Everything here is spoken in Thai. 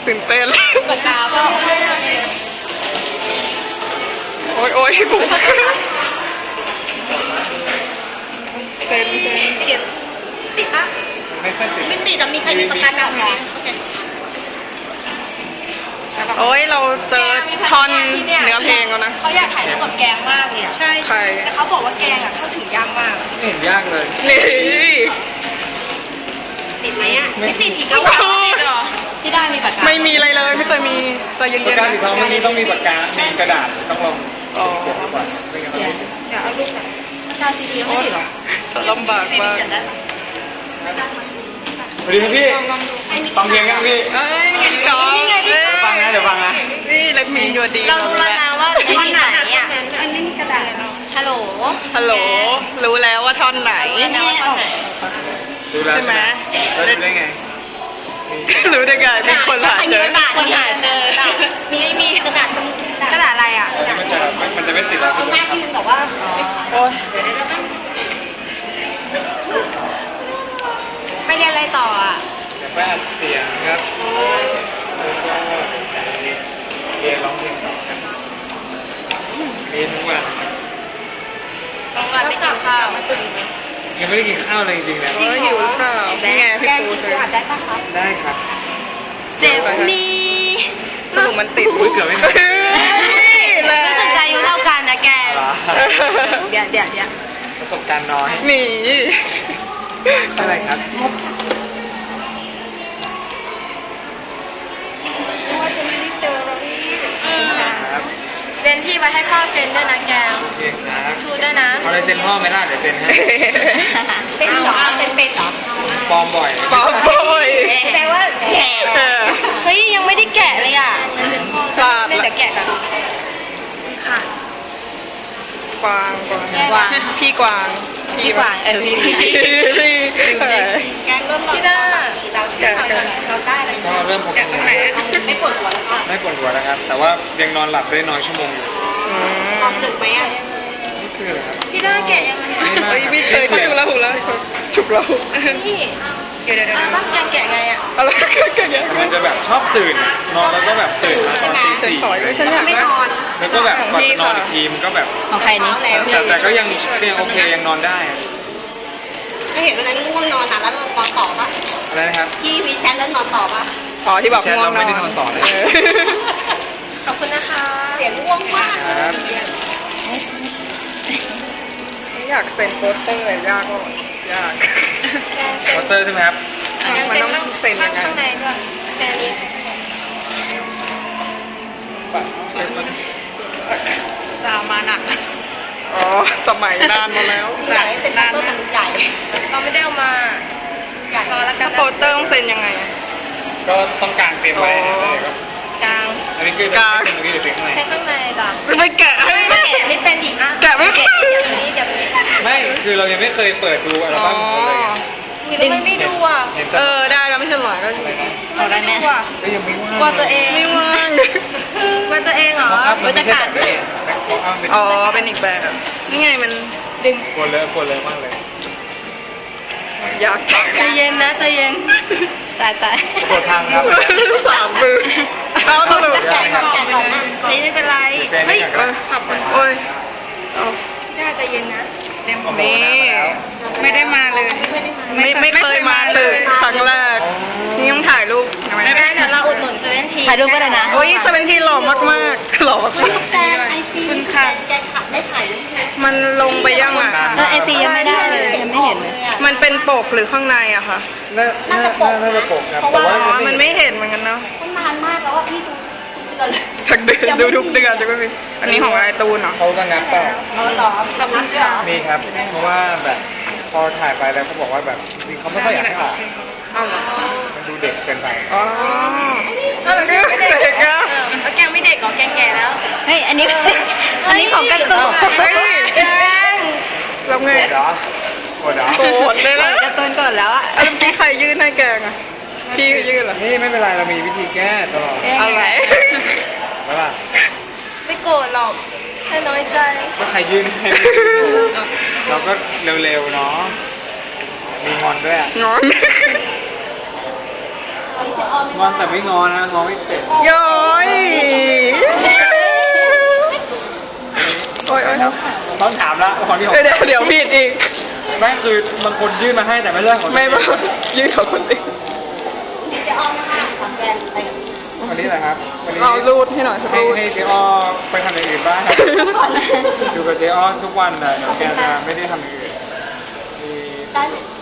ตื่นเต้นปากกาเปล่าโอ๊ยโอ๊ยผมเต้นติดปะไม่ค่อยติดไม่ติดแต่มีใครมีปากกาแบบไหนโอเคโอ๊ยเราเจอท่อนเนื้อเพลงแล้วนะเขาอยากถ่ายรูปกับแกงมากเลยใช่ใครแต่เขาบอกว่าแกงอ่ะเข้าถึงยากมากไม่เห็นยากเลยนี่ติดไหมอ่ะไม่ติดอีกแล้วติดหรอที่ได้มีปากกาไม่มีอะไรเลยไม่เคยมีใจเย็ปากนๆกานะสีทองวันนี้ต้องมีปากกา มีกระดาษต้องลองอ๋อเขียนก่อนไม่งั้นไม่ติดอย่าเอาลูกนะปากกาซีดีไม่ติดหรอฉันลำบากมากสวัสดีครับพี่ฟังเพลงยังพี่เอ้ยน้องนี่ไงพี่เดี๋ยวฟังนะเดี๋ยวฟังนะนี่เล็กมีนอยู่ดีเรารู้แล้วนะว่าท่อนไหนอ่ะอันนี้มีกระดาษฮัลโหลฮัลโหลรู้แล้วว่าท่อนไหนนี่ออกดูแล้วใช่ไหมแล้วดูได้ไงรู้ได้ไงมีคนหาเจอคนหาเจอมีกระดาษกระดาษอะไรอ่ะมันจะไม่ติดแล้วเอาหน้าที่มันบอกว่าโอ๊ยไม่เรียนอะไรต่ออ่ะเดี๋ยวไปอัดเสียงครับแล้วก็เรียนร้องเพลงต่อครับเรียนทุกวันต้องการไม่กินข้าวยังไม่ได้กินข้าวเลยจริงๆนะโอ๊ยหิวหรือเปล่านี่ไงพี่ปูกินซื้ออัดได้ปะครับได้ครับเจ็บนี้สรุปมันติดอุ๊ยเกือบไม่ทันรู้สึกใจอายุเท่ากันนะแกเหรอเดี๋ยวประสบการณ์น้อยหนีอะไรครับ ครับเป็นที่ไว้ให้พ่อเซ็นด้วยนะแกโอเคครับชูด้วยนะเอาลายเซ็นพ่อไหมล่ะเดี๋ยวเซ็นให้เป็นเหรอเป็นเหรอปลอมบ่อยปอมโบยแปลว่าแกะเออเฮ้ยยังไม่ได้แกะเลยอ่ะพลาดเล่นละแต่แกะกันค่ะกวางกวางกวางพี่กวางพี่กวางพี่ แกงเริ่มพี่ด้าเราได้เลยก็เริ่มพกงานไม่ปวดหัวแล้วค่ะไม่ปวดหัวแล้วครับ แต่ว่ายังนอนหลับได้น้อยชั่วโมงอยู่นอนดึกไหมอ่ะนี่คืออะไรครับพี่ด้าแกะยังไงเฮ้ยไม่เคยเขาฉุกละหุละฉุกละหุพี่เดี๋ยวต้องแกะไงอ่ะอะไรกันอย่างมันจะแบบชอบตื่น นอนแล้วก็แบบตื่นมาตอนตีเซ็นสี่ต่อยด้วยฉันอยากไม่ได้นอนแล้วก็แบบก่อนจะนอนอีกทีมันก็แบบของใครนี่แต่ก็ยังโอเคยังนอนได้อะก็เห็นวันนั้นง่วงนอนอ่ะแล้วนอนต่อปะอะไรนะครับพี่วีแชทแล้วนอนต่อปะอ๋อที่บอกแชทง่วเรางนไม่อได้นนอนต่อเลยขอบคุณนะคะเสียงง่วงมากครับอยากเซ็นโปสเตอร์ยากก็ยากวอเตอร์ใช่ไหมครับมันต้องเซ็นยังไงข้างในด้วยแชร์นี้จะมาหนักอ๋อสมัยนานมาแล้วใหญ่เป็นต้นมันใหญ่ เราไม่ได้เอามาใหญ่พอแล้วกัถ้าน โปสเตอร์ต้องเซ็นยังไงก็ต้องการเตรียมไว้นะครับกลางอันนี้คือจะเป็นตรงนี้หรือเป็นข้างในแค่ข้างในจ้ะไม่แกะให้ไม่แกะไม่เป็นอีกอ่ะแกะไม่เป็นเดี๋ยวนี้เดี๋ยวนี้ไม่คือเรายังไม่เคยเปิดดูอัลบั้มของเขาเลยไงทำไมไม่ดูอ่ะเห็นเอแต่อได้แล้วไม่ใช่หรอก็อะไรนะเอาได้ไหมก็ยังไม่ว่างกลัวตัวเองไม่ว่างกลัวตัวเองเหรอมองอัพมันจะไม่ใช่กัแบดบนี้มองอัพเป็นอ๋อเป็นอีกแบบนี่ไงมันดึงควรเลยมากเลยยากใจเย็นนะใจเย็นตายกดทางครับสามมือเอาตลกแกะก่อนนะนี่ไม่เป็นไรเซ็นให้ก่อนครับโอ้ยเอาน่าใจเย็นนะนี่ไม่ได้มาเลย ไม่เคยมาเลยครั้งแรกนี่ต้องถ่ายรูปไม่เป็นไรเดี๋ยวเราอุดหนุนเซเว่นทีถ่ายรูปก็ได้นะโอ้ยเซเว่นทีหล่อมากๆหล่อมากแจนไอซีคุณค่ะแจนขับได้ถ่ายด้วยใช่ไหมมันลงไปยังอ่ะไอซียังไม่ได้เลยยังไม่เห็นเลยมันเป็นปกหรือข้างในอะค่ะน่าจะปกครับแต่อ๋ว่าอมันไม่เห็นเหมือนกันเนาะมันนานมากแล้วอ่ะพี่ดูทุกเดือนเลยทักเดือนดูทุกเดือนจะไม่มีอันนี้ของไอตูนเหรอเขาก็งัดเปล่าเอาหรอขอบคุณค่ะมีครับ เพราะว่าแบบพอถ่ายไปแล้วเขาบอกว่าแบบจริงเขาไม่ค่อยอยากให้ออกเอาเหรอมันดูเด็กเกินไปอ๋อก็เลยไม่ได้เด็กอะแล้วแกไม่เด็กก่อแกแก่แล้วเฮ้ย อันนี้ของการ์ตูนเฮ้ยแล้วไงโกรธเหรอโกรธเลยนะการ์ตูนก่อนแล้วอะเมื่อกี้ใครยื่นให้แกงอะพี่ยื่นเหรอนี่ไม่เป็นไรเรามีวิธีแก้ตลอดอะไรใช่ป่ะไม่โกรธหรอกแค่น้อยใจก็ใครยื่นให้เราก็เร็วๆเนาะมีงอนด้วยอ่ะงอนงอนแต่ไม่งอนะงอไม่เป็นย้อยโอ้ยโอ้ยต้องถามละของที่ผมเดี๋ยวผิดอีกไม่คือบางคนยื่นมาให้แต่ไม่ใช่ของไม่บอกยืนของคนอื่นวันนี้แหละครับวันนี้เอารูดให้หน่อยสักให้รูดเจ๊อ้อไปทำอย่างอื่นบ้างครับอยู่กับเจ๊อ้อทุกวันแต่เดี๋ยวแกจะไม่ได้ทำอย่างอื่นมี